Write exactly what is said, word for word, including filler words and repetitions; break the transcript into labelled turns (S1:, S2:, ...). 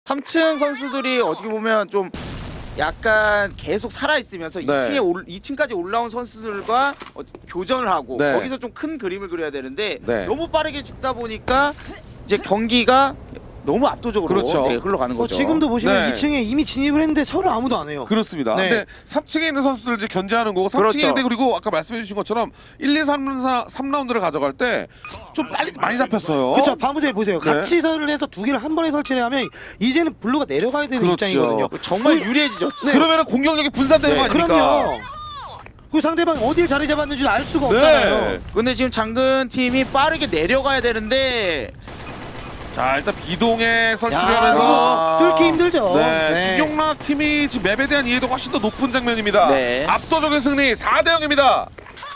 S1: 삼 층 선수들이 어떻게 보면 좀 약간 계속 살아있으면서
S2: 네.
S1: 이 층에 올, 이 층까지 올라온 선수들과 어, 교전을 하고
S2: 네.
S1: 거기서 좀 큰 그림을 그려야 되는데
S2: 네.
S1: 너무 빠르게 죽다 보니까 이제 경기가 너무 압도적으로
S2: 그렇죠.
S1: 네, 흘러가는
S3: 어,
S1: 거죠.
S3: 지금도 보시면
S2: 네.
S3: 이 층에 이미 진입을 했는데 서로 아무도 안 해요.
S2: 그렇습니다.
S3: 네.
S2: 근데 삼 층에 있는 선수들 이제 견제하는 거고 삼 층에
S1: 그렇죠.
S2: 있는데 그리고 아까 말씀해 주신 것처럼 일, 이, 삼, 삼 라운드를 가져갈 때 좀 빨리 많이 잡혔어요.
S3: 그렇죠. 방금 보세요.
S2: 네.
S3: 같이 설을 해서 두 개를 한 번에 설치를 하면 이제는 블루가 내려가야 되는
S2: 그렇죠.
S3: 입장이거든요.
S1: 정말 유리해지죠.
S3: 네.
S2: 그러면 공격력이 분산되는
S1: 네,
S2: 거 아닙니까?
S3: 그럼요. 그 상대방이 어딜 자리 잡았는지 알 수가
S2: 네.
S3: 없잖아요.
S1: 근데 지금 장근 팀이 빠르게 내려가야 되는데
S2: 자 일단 비동에 설치를
S3: 야,
S2: 하면서
S3: 이거 뚫기 힘들죠.
S2: 네, 김용락 팀이 지금 맵에 대한 이해도가 훨씬 더 높은 장면입니다.
S1: 네.
S2: 압도적인 승리 사 대 영입니다.